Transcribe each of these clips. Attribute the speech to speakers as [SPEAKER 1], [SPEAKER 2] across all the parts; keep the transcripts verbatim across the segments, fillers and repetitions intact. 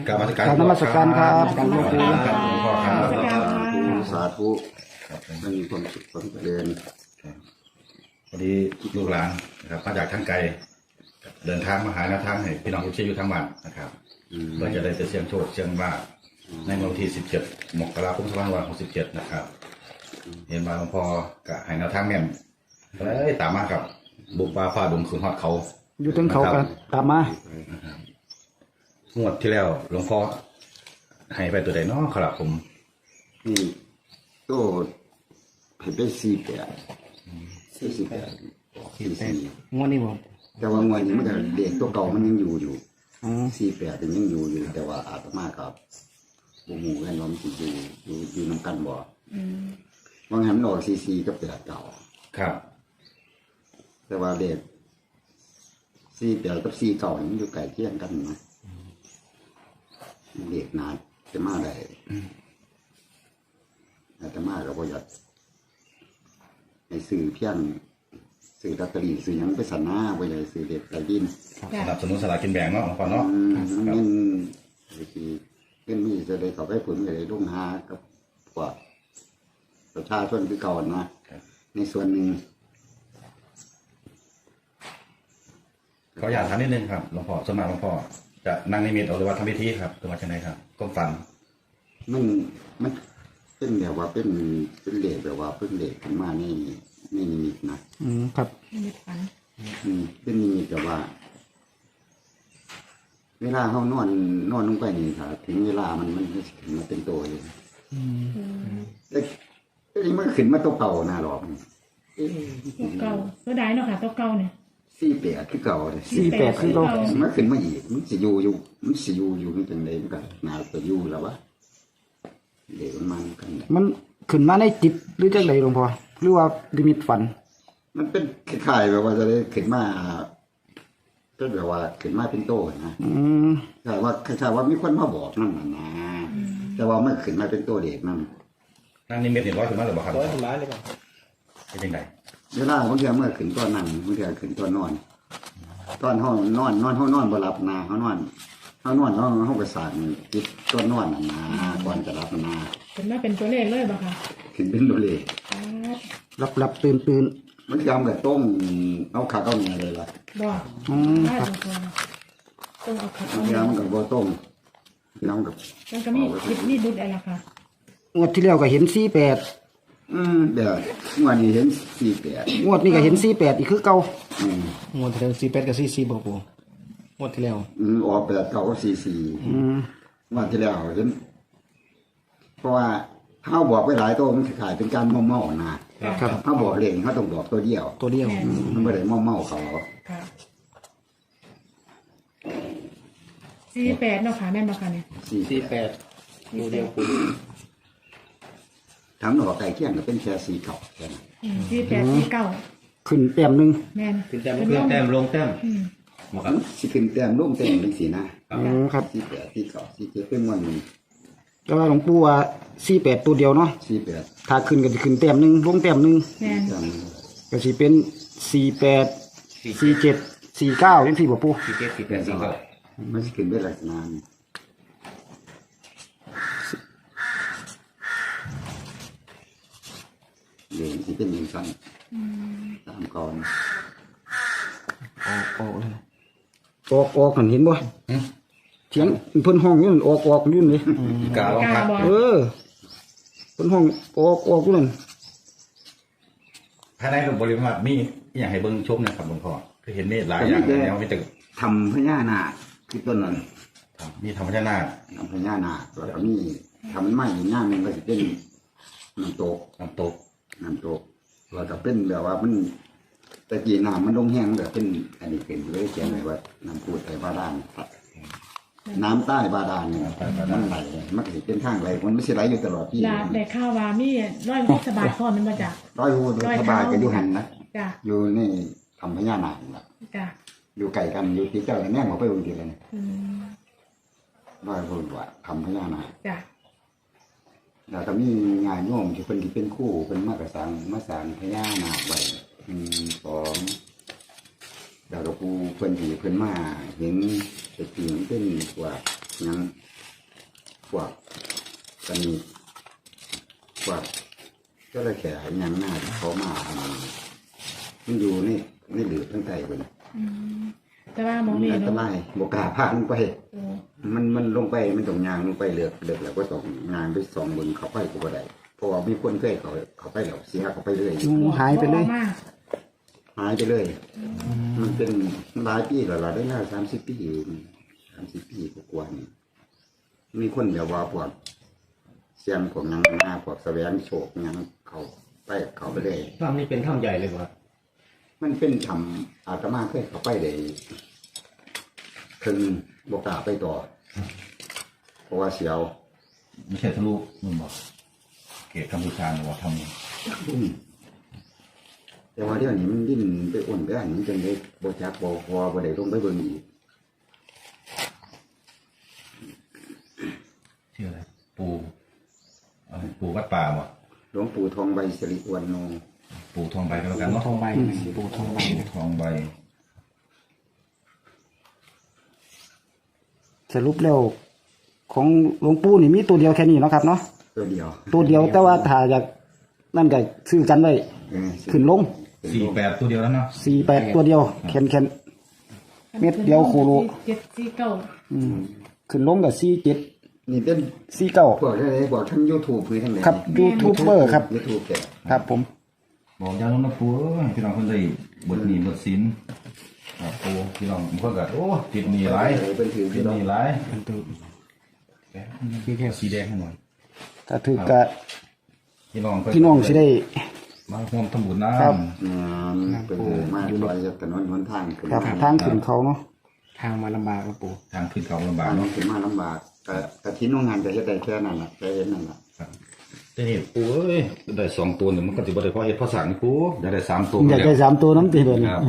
[SPEAKER 1] กราบนมัสการ
[SPEAKER 2] กราบนมัสการครับ
[SPEAKER 1] กราบนมัสการครับหลวงพ่อครับ
[SPEAKER 3] สาธุมันมีความสุขความเจริญ
[SPEAKER 1] พอดีลูกหลานนะครับมาจากทางไกลเดินทางมาหาแนวทางให้พี่น้องทุกที่อยู่ทั้งวันนะครับเราจะได้ไปเสี่ยงโชคเสี่ยงว่าในวันที่สิบเจ็ดมกราคมสองพันห้าร้อยหกสิบเจ็ดนะครับเห็นมาหลวงพ่อกับให้แนวทางแม่นเลยตามมากับบุกป่าฝ่าดงคืนฮอดเขา
[SPEAKER 2] อยู่ถึงเขากันตามมาง
[SPEAKER 1] วดที่แล้วหลวงพ่อให้ไปตัวใดเนาะครับผม
[SPEAKER 3] นี่โตเห็นได้สี่แปดสี่สี่แปดสี่สี่
[SPEAKER 2] งวดนี้บ่
[SPEAKER 3] แต่ว่างวดนี้มันก็เด็กตัวเก่ามันยังอยู่อยู่
[SPEAKER 2] อ๋อ
[SPEAKER 3] สี่แปดยังอยู่อยู่แต่ว่าอาตมากับบุหมู่กันล้อมสิอยู่อยู่อยู่น้ำกันบ่บางหันออกสี่สี่กับแปดเก่า
[SPEAKER 1] ครับ
[SPEAKER 3] แต่ว่าเด็กสี่แปดกับสี่เก่ามันอยู่ใกล้เคียงกันนะเด็กนาจะมาได้อาตมาก็บ่อยากในสื่อเพียงสื่อลอตเตอรี่สื่อหยังไปสันหน้าบ่อยากสื่อเด็กไก่ดิน
[SPEAKER 1] สนับสนุนสลากกินแบ่งเนาะหลวงพ่อเนาะ
[SPEAKER 3] อืมมันเงินไอ้ที่เงินมีจะได้เข้าไปผลก็ได้ลงหากับพวกประชาชนคือเก่านะในส่วนหนึ่ง
[SPEAKER 1] ขออยากถามนิดนึงครับหลวงพ่อสวนมัครหลวงพ่อจะนั่งนิมิตเอาหรือว่าทำพิธีครับหรือว่าจะไหนครับก้มฝัน
[SPEAKER 3] มันมันเป็นแบบว่าเป็นเป็นเหล็กแบบว่าเป็นเหล็กขึ้นมาในในนิมิตนะ
[SPEAKER 2] อืมครับ
[SPEAKER 4] มีฝัน
[SPEAKER 3] อืมเป็นนิมิตแบบว่า เวลาเขานอนนอนลงไปนี่ค่ะถึงเวลามันมันมันขึ้นมาเป็นตัวเลยแต่แต่นี่มันขึ้นมาตัวเก่าหน้าหรอก
[SPEAKER 4] ตัวเก่าตัวใดเนาะค่ะตัวเก่าเนี่ย
[SPEAKER 3] สี่แปดคือเก่าเลย
[SPEAKER 2] สี่แปดคือเรา
[SPEAKER 3] มันขึ้นมาอีกมันสิอยู่อยู่มันสิอยู่อยู่มันเป็นไรมันก็น่าจะอยู่แล้ววะเด็กมันกัน
[SPEAKER 2] มันขึ้นมาในจิตหรือจังไดหลวงพ่อหรือว่าลิมิตฝัน
[SPEAKER 3] มันเป็นคล้ายๆแบบว่าจะได้ขึ้นมาเป็นแบบว่าขึ้นมาเป็นโตนะ
[SPEAKER 2] อืม
[SPEAKER 3] แต่ว่าคล้ายๆว่ามีคนมาบอกนั่นน่ะนะแต่ว่ามันขึ้นมาเป็นตัวเด็กนั่น
[SPEAKER 1] นั่งนิมิตเห็นร้อยถึงมาหรือเปล่าครับ
[SPEAKER 5] ร้อยทำร้ายเลยเปล่า
[SPEAKER 1] เป็นยังไง
[SPEAKER 3] เวลาบางทีเมื่อขึ้นตัวนั่งบางทีขึ้นตัวนอน ตอนห้องนอนนอนห้องนอนบ่หลับนาเขานอนเขานอนห้องห้องประสาทจิตตัวนอนน่ะนะก่อนจะหลับนา
[SPEAKER 4] เป็นมาเป็นตัวเลขเลยบ่ค่ะ
[SPEAKER 3] ขึ้นเป็นตัวเล็ก
[SPEAKER 2] รับรับตื่นตื่น
[SPEAKER 3] มันยำกับต้มเอาขาเอาเนี่ยเลยล่ะ
[SPEAKER 4] บ่
[SPEAKER 2] อืม
[SPEAKER 4] ได้
[SPEAKER 2] ครับ
[SPEAKER 4] บ่ต้องเอาขัด
[SPEAKER 3] มัน
[SPEAKER 4] เอา
[SPEAKER 3] ยำกับบ่ต้มยำกับ
[SPEAKER 4] มันก็มีคิดมีดุดอะไรล่ะค่ะ
[SPEAKER 2] งวดที่แล้วก็เห็นสี่แปด
[SPEAKER 3] อืมเดี๋ยวเมื่อนี้เห็นสี่แปด
[SPEAKER 2] งวดนี้ก็เห็นสี่แปดอีกคือเก่า
[SPEAKER 3] อืม
[SPEAKER 5] งวดที่แล้วสี่แปดกับสี่สี่บอกกูงวดที่แล้ว
[SPEAKER 3] อืมออกแปดเก้าสี่สี่
[SPEAKER 2] อืม
[SPEAKER 3] วันที่แล้วเห็นเพราะว่าเขาบอกไปหลายตัวมันขายเป็นการเมาเมาๆนะครับ เขาบอกเล่นเขาต้องบอกตัวเดียว
[SPEAKER 2] ตัวเดียว
[SPEAKER 3] มันไม่ได้เมาเมาๆเขา
[SPEAKER 4] ค่ะสี่แปดเนาะค่ะแม่นบ่ค่ะเนี่ย
[SPEAKER 3] สี่
[SPEAKER 5] สี่แปดตัวเดียวกู
[SPEAKER 3] ทั้งหนอกไก่เคี่ยงก็เป็นแค่สีเก่าแค่นั้น
[SPEAKER 4] อืมสี่แปดสี่เก้า
[SPEAKER 2] ขึ้นแต้มหนึง
[SPEAKER 4] แม่น
[SPEAKER 5] ขึ้นแต้ม
[SPEAKER 4] เป็น
[SPEAKER 5] ขึ้น
[SPEAKER 4] ลง
[SPEAKER 5] แต้มลงแต้ม
[SPEAKER 4] อืม
[SPEAKER 1] ครับ
[SPEAKER 3] สิขึ้นแต้มร่มแต้มเป็นสีนะ
[SPEAKER 2] อืมครับ
[SPEAKER 3] สี่แปดสี่เก่าสี่เจ็ดเป็นวันหนึ่ง
[SPEAKER 2] แต่ว่าหลวงปู่ว่าสี่แปดตัวเดียวเนาะ
[SPEAKER 3] สี่แปด
[SPEAKER 2] ถ้าขึ้นก็จะขึ้นแต้มหนึงลงแต้มหนึง
[SPEAKER 4] แม่น
[SPEAKER 3] แต้ม
[SPEAKER 2] ก็สิเป็นสี่แปดสี่เจ็ดสี่เก้าจังซี่บ่ปู่
[SPEAKER 5] สี่เจ็ดสี่แปดสี่เก้า
[SPEAKER 3] มันสิขึ้นเป็นลักษณะนี้เดี๋ยวสิเป็นอย่างสั้นตามก่อน
[SPEAKER 2] ออกออกเลยออกออกหันเห็นบ่เสียงเพิ่นห้องอยู่นั่นออกออกอยู่นี่
[SPEAKER 1] กาลอง
[SPEAKER 4] กล้า
[SPEAKER 1] พัก
[SPEAKER 4] บ่
[SPEAKER 2] เออเพิ่นห้องออกออกอยู่นั่น
[SPEAKER 1] ภายในบริเวณวัดมีอย่างให้เบิ้งชมนะครับหลวงพ่อคือเห็นเมฆหลายอย่างแล้วมีแต่
[SPEAKER 3] ทำพญานาคคือต้นนั้น
[SPEAKER 1] มีธรรมชาติ
[SPEAKER 3] ทำพญานาคแล้วก็มีทำไม้ย่างหนึงก็จะเป็นน้ำตก
[SPEAKER 1] น้ำตก
[SPEAKER 3] น้ำตกแล้วก็เป็นแบบว่ามันตะกี้น้ำมันลงแห้งแบบเป็นอันนี้เป็นเลยเขียนไว้ว่าน้ำพูดไตบาดาลน้ำใต้บาดาลเนี่ยมันไหลมันก็สิเป็นทางไหลมันไม่ใช่ไหลอยู่ตลอดที่
[SPEAKER 4] ลาได้ข่าวว่ามีร้อยสบายพร้อมมันบ่จ้ะ
[SPEAKER 3] ร้อยหูร้อยสบายก็อยู่หันนะ
[SPEAKER 4] จ้ะ
[SPEAKER 3] อยู่นี่ทำพญานาคนะ
[SPEAKER 4] จ้ะ
[SPEAKER 3] อยู่ไกลกันอยู่ที่เจ้าแม่งมาไปอุ่นทีเลยนะ
[SPEAKER 4] อืม
[SPEAKER 3] ร้อยหูว่าทำพญานาค
[SPEAKER 4] จ้ะ
[SPEAKER 3] แล้วก็มีงานโยมที่เป็นที่เป็นคู่เป็นมากระสังมาสร้างพญานาคไว้อืมสองดาวปูเพิ่นที่เพิ่นมาเห็นแต่ปีมันเป็นว่าหยังพวกตอนนี้พวกก็เลยแข่ยังหน้าเขามามันอยู่นี่นี่หลือตั้งใจเลย
[SPEAKER 4] อืมแต่ว่าหมองนี่
[SPEAKER 3] อันต
[SPEAKER 4] เนาะ
[SPEAKER 3] รายบกล้าพาลงไป
[SPEAKER 4] โอ้
[SPEAKER 3] มันมันลงไปมันต้องยางลงไปเลือกเลือกแล้วก็ต้องงานไปสองบนเขาไปก็บ่ได้เพราะว่ามีคนเคยเขาเขาไปแล้วเสียเขาไปเลย
[SPEAKER 2] อืมหายไปเลย
[SPEAKER 4] บ่ออกมา
[SPEAKER 3] หายไปเลย มันเป็นหลายปีแล้วเราได้แล้วสามสิบปีสามสิบปีกว่านี่มีคนแบบว่าพวกเสียงพวกยังหน้าพวกแสวงโชคยังเขาไปเขาไปเลย
[SPEAKER 5] ถ้ำนี่เป็นถ้ำใหญ่เลยครับ
[SPEAKER 3] มันเป็นทำอาตมาเคยเขาไปได้ถึงบกล้าไปต่อ เพราะว่าเสียว
[SPEAKER 1] ไม่ใช่ทะลุนู่นบอกเขตกัมพูชาหรือว่าทำนี่
[SPEAKER 3] แต่ว่าเดี๋ยวนี้มันดิ้นไปอ้วนไปอันนี้จนได้บจักบพอบ่ได้ลงไปเบิ่งอีก
[SPEAKER 1] ชื่ออะไรปูอะไรปูวัดป่าบ่
[SPEAKER 3] หลวงปู่ทองใบสิริวันโน
[SPEAKER 1] ปูทองใบก็แล้วกันเนาะ
[SPEAKER 5] ทองใบปูทองใบ
[SPEAKER 1] ปูทองใบ
[SPEAKER 2] สรุปแล้วของหลวงปู่นี่มีตัวเดียวแค่นี้เนาะครับเนาะ
[SPEAKER 3] ตัวเดียว
[SPEAKER 2] ตัวเดียวแต่ว่าถ้าอยากนั่นก็ซื้อกันไว้
[SPEAKER 3] เออ
[SPEAKER 2] ขึ้นลง
[SPEAKER 1] สี่แปดตัวเดียวแล้วเนาะ
[SPEAKER 2] สี่แปดตัวเดียวแคนแคนเม็ดเดียวโคโล
[SPEAKER 4] เจ็ดสี่เก้า
[SPEAKER 2] อืมขึ้นลงกับสี่เจ็ด
[SPEAKER 3] นี่เป็น
[SPEAKER 2] สี่เก้า
[SPEAKER 3] พวกอะไรบอกทั้ง YouTube หรือทั้งไหน
[SPEAKER 2] ครับยูทูบเบอร์ครับ
[SPEAKER 3] YouTube แก
[SPEAKER 2] ครับผม
[SPEAKER 1] บอกยาลงน้ำปูเอ้ยพี่น้องคนได้บทหนีบทสินครับปูพี่น้องผมก็กัโอ้ติดหนีหลาย
[SPEAKER 3] เป็นถือ
[SPEAKER 1] ติ
[SPEAKER 3] พี่
[SPEAKER 1] ด
[SPEAKER 3] น้อ
[SPEAKER 1] ห
[SPEAKER 3] ง
[SPEAKER 1] นีหลาย
[SPEAKER 5] เป็นตัว
[SPEAKER 1] พี่แค่สีแดงให้หน่อย
[SPEAKER 2] ถ้าถือกับ
[SPEAKER 1] พี่น้อง
[SPEAKER 2] พี่น้องสิได้
[SPEAKER 1] มาร่วมทำบุญน้
[SPEAKER 2] ครับ
[SPEAKER 3] งานเป็นถือมาลอยจากถนนหนทางขึ้น
[SPEAKER 2] ครับ
[SPEAKER 3] มา
[SPEAKER 2] ทางขึ้นเขาเนาะ
[SPEAKER 5] ทางมาลำบากครับปู
[SPEAKER 1] ำทางขึ้นเขาลำบา
[SPEAKER 3] ทาก ง
[SPEAKER 1] เนาะ
[SPEAKER 3] ขึ้นมาลำบากแต่แต่ที่โรงงานจะเฮ็ดได้แค่นั้นแหละแค่เห็นนั่นแหละ
[SPEAKER 1] ครับแต่นี่ปูเอ้ยได้สองตัวเนี่ยมันก็จะบ่ได้เพราะเฮ็ดเพราะสั่งนี่ปูอยากได้สามตัว
[SPEAKER 2] อยากได้สามตัวน้ำตีเลย
[SPEAKER 1] ครับ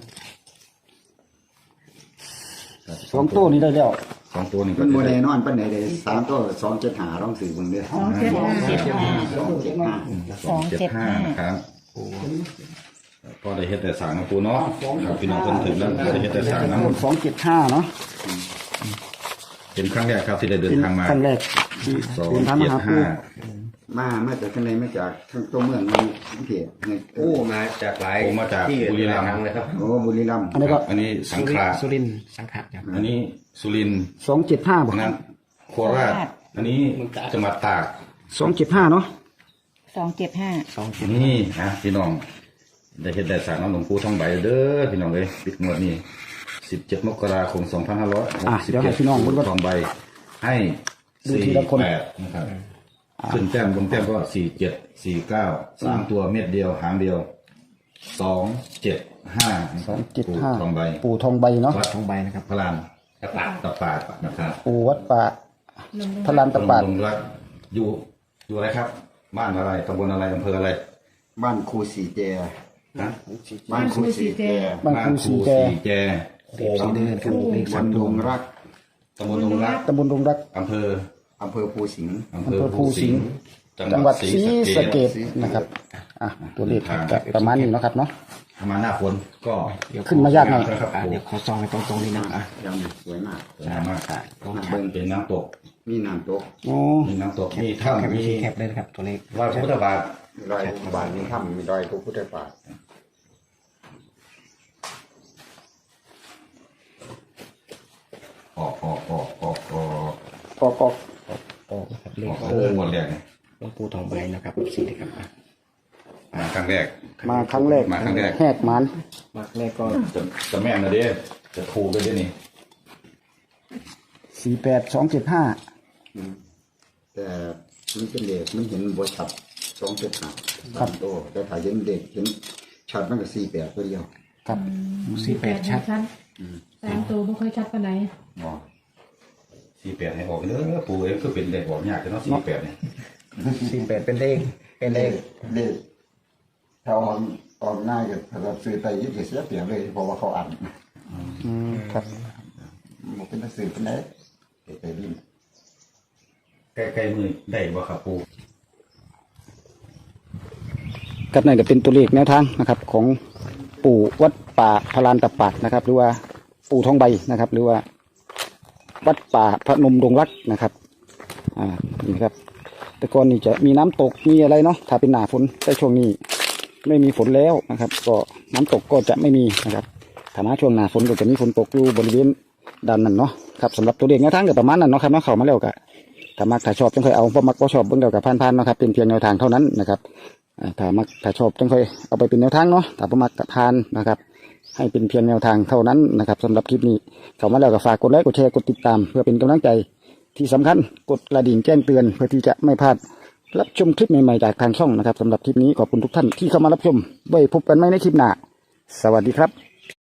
[SPEAKER 2] สองตัวนี้ได้แล้ว
[SPEAKER 1] สองตัวนี่ก็
[SPEAKER 3] มันโม
[SPEAKER 1] จะ
[SPEAKER 3] เด
[SPEAKER 1] ได้
[SPEAKER 3] นอนปันไหนเลยสามตัวสองเจ็ดหาร้องสื่อเบิ่งเด้อ
[SPEAKER 4] สองเจ็ดห้า
[SPEAKER 3] สองเจ็ดห้า
[SPEAKER 1] สองเจ็ดห้านะครับก็ได้เฮ็ดแต่สั่งนะปูเนาะครับพี่น้องคนถึงแล้วได้เฮ็ดแต่สั่งนะ
[SPEAKER 2] สองเจ็ดห้าเนาะ
[SPEAKER 1] เป็นครั้งแรกครับที่ได้เดิน
[SPEAKER 2] เป็น
[SPEAKER 1] ทางมา
[SPEAKER 2] ครั้งแรก
[SPEAKER 1] สอง
[SPEAKER 2] เดินทางมา
[SPEAKER 1] เจ็ด
[SPEAKER 2] หาปู่
[SPEAKER 1] ห้า
[SPEAKER 3] มามาจากข้างในมาจากทั้งตัวเมืองมันเขตเนี่ย
[SPEAKER 6] โอ้มาจากหลาย
[SPEAKER 1] ผมมาจาก
[SPEAKER 6] ที่
[SPEAKER 1] บุรีรัมย์
[SPEAKER 6] หลายครั้งเลยครับ
[SPEAKER 3] โอ้บุรีรัมย์
[SPEAKER 2] อันนี้ก็
[SPEAKER 1] อันนี้สังขลา
[SPEAKER 5] สุรินทร์สังขะครับ
[SPEAKER 1] อันนี้สุรินทร์
[SPEAKER 2] สองเจ็ดห้าบ่
[SPEAKER 1] อันนั้นโคราชอันนี้จังหวัดตาก
[SPEAKER 2] สองเจ็ดห้าเนาะ
[SPEAKER 7] สองเจ็ดห้า
[SPEAKER 5] สองเจ็ด
[SPEAKER 1] นี่นะพี่น้องได้เฮ็ดได้สั่งน้ำหลวงปู่ทองใบเด้อพี่น้องเลยปิดงวดนี้สิบเจ็ดมกราคมสองพันห้าร้อยหก
[SPEAKER 2] อ่ะ
[SPEAKER 1] สิบ
[SPEAKER 2] เดี๋ยว
[SPEAKER 1] เจ็
[SPEAKER 2] ให้
[SPEAKER 1] ด
[SPEAKER 2] พี่น้องพูดว่า
[SPEAKER 1] ทองใบให้
[SPEAKER 2] ดู
[SPEAKER 1] สี่
[SPEAKER 2] ทีละคน
[SPEAKER 1] แปดนะครับขึ้นแต้มลงแต้มก็สี่เจ็ดสี่เก้าสามตัวเม็ดเดียวหางเดียวสองเจ็ดห้า
[SPEAKER 2] สองเจ็ดห้า
[SPEAKER 1] ทองใบ
[SPEAKER 2] ปู่ทองใบเนาะ
[SPEAKER 1] วัด
[SPEAKER 5] ทองใบนะครับ
[SPEAKER 1] พระลานตะปาดตะปาดนะครับ
[SPEAKER 2] ปู่วัดป่าพระลานตะปาด
[SPEAKER 1] ลงรักอยู่อยู่อะไรครับ บ้านอะไรตำบลอะไรอำเภออะไร
[SPEAKER 3] บ้านครูสีแจ
[SPEAKER 1] นะ
[SPEAKER 3] บ้านครูสีแจ
[SPEAKER 2] บ้านครูสีแจ
[SPEAKER 1] สีแจ
[SPEAKER 5] เด็กสีเดินครับเด็ก
[SPEAKER 3] วั
[SPEAKER 5] สาน ม
[SPEAKER 3] ด
[SPEAKER 5] ด
[SPEAKER 3] ง
[SPEAKER 5] วง
[SPEAKER 3] รัก
[SPEAKER 1] ตำบลดงรัก
[SPEAKER 2] ตำบลดงรัก
[SPEAKER 1] อำเภอ
[SPEAKER 3] อำเภอภูสิงห์
[SPEAKER 1] อำ
[SPEAKER 2] อำเภอภูสิงห์
[SPEAKER 1] จั
[SPEAKER 2] จั
[SPEAKER 1] ง
[SPEAKER 2] ง
[SPEAKER 1] ห
[SPEAKER 2] ห
[SPEAKER 1] วั
[SPEAKER 2] วั
[SPEAKER 1] ด
[SPEAKER 2] ด
[SPEAKER 1] ศรี
[SPEAKER 2] ศรี
[SPEAKER 1] สะ
[SPEAKER 2] สะ
[SPEAKER 1] เก
[SPEAKER 2] เก
[SPEAKER 1] ษ
[SPEAKER 2] ษนะครับอ่ะตัวเลขก็ประมาณนี้เนาะครับเนาะ
[SPEAKER 1] ถ้ามาหน้าฝนก็
[SPEAKER 2] ขึ้นมายากหน่อย
[SPEAKER 1] นะครับ
[SPEAKER 5] อ่ะเดี๋ยวขอซองให้ตรงๆนิดนึงอ่ะ
[SPEAKER 3] ยังสวยมาก
[SPEAKER 1] สวยมาก
[SPEAKER 5] ลอง
[SPEAKER 3] น้ำ
[SPEAKER 5] แค
[SPEAKER 3] เบิ้
[SPEAKER 5] ป
[SPEAKER 3] ง
[SPEAKER 1] เป็นน้ำตก
[SPEAKER 3] มีน้ำตก
[SPEAKER 2] โอ้
[SPEAKER 1] มีน้ำตกมี
[SPEAKER 5] แคป
[SPEAKER 1] ถ้ำ
[SPEAKER 5] วิ
[SPEAKER 1] มี
[SPEAKER 5] ธีแคปเลยนะครับตัวเลข
[SPEAKER 1] รอยพระพุทธบาท
[SPEAKER 3] มีรอยบาทมีถ้ำมีรอยพระพุทธบาท
[SPEAKER 1] ออกออกออกออกออก
[SPEAKER 2] ปอกปอก
[SPEAKER 5] โอ้ครับเล
[SPEAKER 1] อ
[SPEAKER 5] ข
[SPEAKER 1] อก
[SPEAKER 5] ข
[SPEAKER 1] โอ้
[SPEAKER 5] อง
[SPEAKER 1] หมดแรกเนี่ย
[SPEAKER 5] หลวงปู่ทองใบนะครับสีนะครับอ่ะ
[SPEAKER 1] มาครั้งแรก
[SPEAKER 2] มาครั้งแรก
[SPEAKER 1] มาครั้งแรก
[SPEAKER 2] แหกหมัน
[SPEAKER 5] มากเลขก็
[SPEAKER 1] จะจะแม่นนะเด้จะถูกเลยเด้นี่
[SPEAKER 2] สี่แปดสองเจ็ดห้า
[SPEAKER 3] แต่มันเป็นเด็กมันเห็นบทชัดสองเจ็ดห้าครับโตแต่ถ้าเห็นเด็กเห็นชัดมันก็สี่แปดตัวเดียว
[SPEAKER 2] ครับ
[SPEAKER 5] สี่แปดชัด
[SPEAKER 4] ชัดสามตัวไม่ค่อยชัดปานไหน
[SPEAKER 1] อ๋อสี่แปดให้ออกเด้อปู่เอ้ยคือเป็นเลขออกยากแต่เนาะสี่แปดเนี่ย
[SPEAKER 5] สี่แปดเป็นเลขเป็นเลข
[SPEAKER 3] เด็กถ้าออกออกง่ายกับเราซื้อไตยึดเสียเปรียบเลยเพราะว่าเขาอ่าน
[SPEAKER 2] อืมครับ
[SPEAKER 3] มันเป็นหนังสือเป็นไหนไปดิน
[SPEAKER 1] ใกล้ๆมือได้บ่ครับปู่
[SPEAKER 2] กับนั่นก็เป็นตัวเลขแนวทางนะครับ ของปู่วัดป่าพลานตะปาดนะครับ หรือว่าปู่ทองใบนะครับ หรือว่า วัดป่าพระนมดงรักนะครับอ่านี่ครับ แต่ก่อนนี่จะมีน้ำตกมีอะไรเนาะถ้าเป็นหน้าฝนแต่ช่วงนี้ไม่มีฝนแล้วนะครับ ก็น้ำตกก็จะไม่มีนะครับถ้ามาช่วงหน้าฝนก็จะมีฝนตกอยู่บริเวณด้านนั้นเนาะครับสำหรับตัวเลขแนวทางก็ประมาณนั้นเนาะครับเนาะเข้ามาแล้วก็ถ้ามักถ้าชอบจังค่อยเอาบ่มักบ่ชอบเบิ่งเดียวกับผ่านๆเนาะครับเป็นเพียงแนวทางเท่านั้นนะครับอ่าถ้ามักถ้าชอบจังค่อยเอาไปเป็นแนวทางเนาะถ้าบ่มักก็ผ่านนะครับให้เป็นเพียงแนวทางเท่านั้นนะครับสำหรับคลิปนี้เข้ามาแล้วก็ฝากกดไลค์กดแชร์กดติดตามเพื่อเป็นกำลังใจที่สำคัญกดกระดิ่งแจ้งเตือนเพื่อที่จะไม่พลาดรับชมคลิปใหม่ๆจากทางช่องนะครับสำหรับคลิปนี้ขอบคุณทุกท่านที่เข้ามารับชมไว้พบกันใหม่ในคลิปหน้าสวัสดีครับ